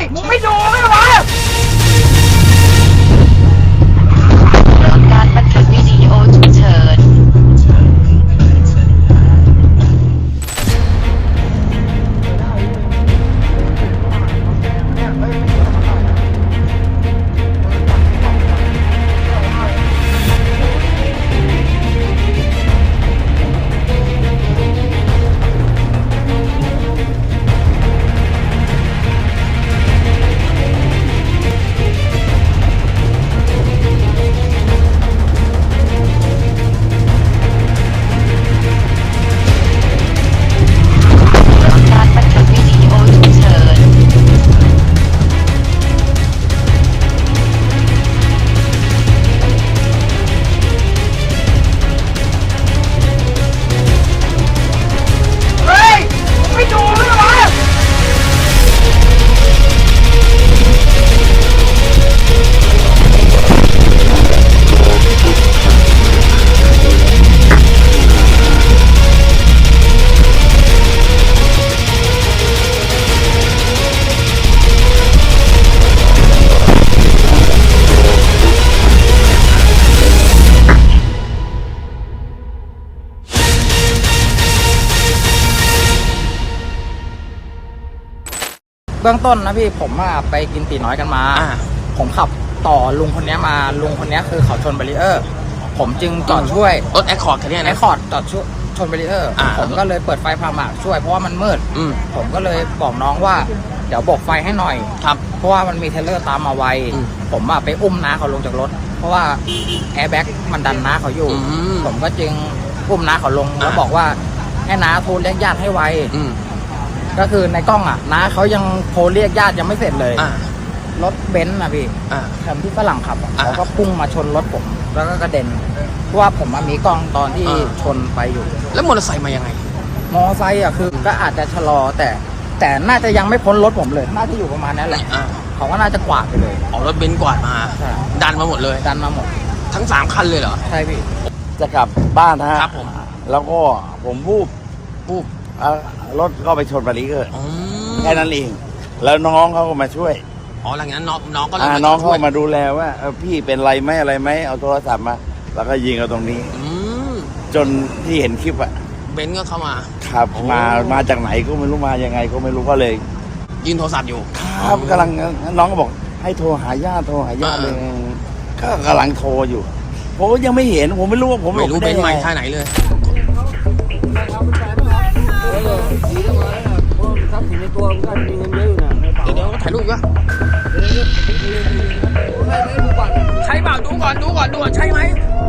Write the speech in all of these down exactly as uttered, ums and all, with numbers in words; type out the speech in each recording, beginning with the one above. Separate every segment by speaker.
Speaker 1: มึงไม่ดูไม่วะ
Speaker 2: การบันทึกวิดีโอฉุกเฉิน
Speaker 1: เบื้องต้นนะพี่ผมอะไปกินตีน้อยกันมาผมขับต่อลุงคนนี้มาลุงคนนี้คือเขาชนแบรีเออร์ผมจึงจอดช่วย
Speaker 3: รถแอคคอร์ดคันนี้นะ
Speaker 1: แอคคอร์ดจอดช่วยชนแบรีเออร์ผมก็เลยเปิดไฟพาหมากช่วยเพราะว่ามันมืดผมก็เลยบอกน้องว่าเดี๋ยวโบกไฟให้หน่อย
Speaker 3: ครับ
Speaker 1: เพราะว่ามันมีเทเลอร์ตามมาไวผมอะไปอุ้มน้าเขาลงจากรถเพราะว่าแอร์แบ็กมันดันน้าเขาอยู่ผมก็จึงอุ้มน้าเขาลงแล้วบอกว่าให้น้าโทรเรียกญาติให้ไวก็คือในกล้องอ่ะน้าเขายังโทรเรียกญาติยังไม่เสร็จเลยรถเบนซ์นะพี่แถมที่ฝรั่งขับเขาก็พุ่งมาชนรถผมแล้วก็กระเด็นเพราะว่าผมมีกล้องตอนที่ชนไปอยู่
Speaker 3: แล้วมอเตอร์ไซค์มายังไง
Speaker 1: มอเตอร์ไซค์อ่ะคือก็อาจจะชะลอแต่แต่น่าจะยังไม่พ้นรถผมเลยน่าจะอยู่ประมาณนั้นแหละเขาก็น่าจะกวาดไปเลย
Speaker 3: ออกรถเบนซ์กวาดมาดันมาหมดเลย
Speaker 1: ดันมาหมด
Speaker 3: ทั้งสามคันเลยเหรอ
Speaker 1: ใช่พี่
Speaker 4: จะกลับบ้านนะฮะ
Speaker 3: ครับผม
Speaker 4: แล้วก็ผมวูบวูบรถก็ไปชนบารีเออร์แค่นั้นเองแล้วน้องเขาก็มาช่วย
Speaker 3: อ๋อหลังจากนั้นน้องน้องก็เลย
Speaker 4: น้องเขามาดูแลว่าพี่เป็นไรไหมอะไรไหมเอาโทรศัพท์มาแล้วก็ยิงเอาตรงนี้จนที่เห็นคลิปอะ
Speaker 3: เบนซ์ก็เข้ามา
Speaker 4: ครับมามาจากไหนก็ไม่รู้มายังไงก็ไม่รู้ก็เลย
Speaker 3: ยืนโทรศัพท์อยู่
Speaker 4: ครับกำลังน้องก็บอกให้โทรหาญาติโทรหาญาติเลยก็กำลังโทรอยู่ผมยังไม่เห็นผมไม่รู้ว่าผม
Speaker 3: ไม่รู้เบนซ์มาท่าไหนเลยเดี๋ยวเดี๋ยวถ่ายรูปวะใช่เปล่าดูก่อนดูก่อนดูก่อนใช่ไหม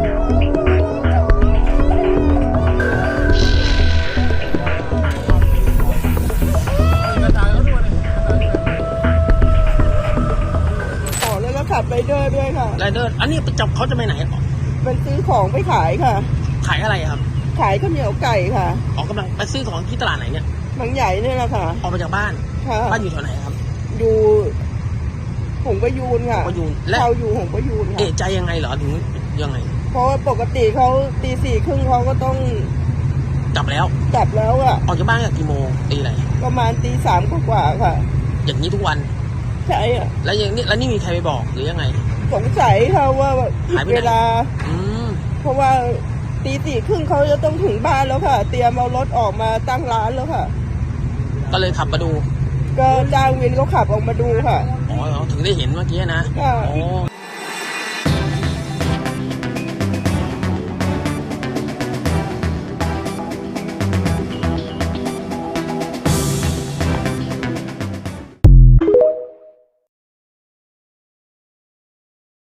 Speaker 5: อ๋อแล้วก็ขับไรเดอร์ด้วยค่ะ
Speaker 3: ไรเดอร์อันนี้จับเขาจะไปไหน
Speaker 5: เป็นซื้อของไปขายค่ะ
Speaker 3: ขายอะไรครับ
Speaker 5: ขายข้าวเหนียวไก่ค่ะ
Speaker 3: ออกกำลังไปซื้อของที่ตลาดไหนเนี่ย
Speaker 5: บางใหญ่เนี่ยแหละค่ะ
Speaker 3: ออกมาจากบ้านบ้านอยู่แถวไหนครับ
Speaker 5: อยู่หงประยูนค่ะ
Speaker 3: ประยูน
Speaker 5: และเราอยู่หงประยูนค่ะ
Speaker 3: เอะใจยังไงเหรอถึงยังไง
Speaker 5: เพราะว่าปกติเขาตีสี่ครึ่งเขาก็ต้อง
Speaker 3: จับแล้ว
Speaker 5: จับแล้วอะ
Speaker 3: ออกจากบ้านจากกี่โมงตีอะไร
Speaker 5: ประมาณตีสามกว่าค่ะ
Speaker 3: อย่างนี้ทุกวัน
Speaker 5: ใช่อะ
Speaker 3: แล้วอย่างนี้แล้วนี่มีใครไปบอกหรือยังไง
Speaker 5: สงสัยค่ะว่าเวลาเพราะว่าตีสี่ครึ่งเขาจะต้องถึงบ้านแล้วค่ะเตรียมเอารถออกมาตั้งร้านแล้วค่ะ
Speaker 3: ก็เลยขับมาดู
Speaker 5: ก็จ้างวินเขาขับออกมาดูค่ะ
Speaker 3: อ๋อถึงได้เห็นเมื่อกี้นะ
Speaker 5: ค่ะ
Speaker 3: อ๋อ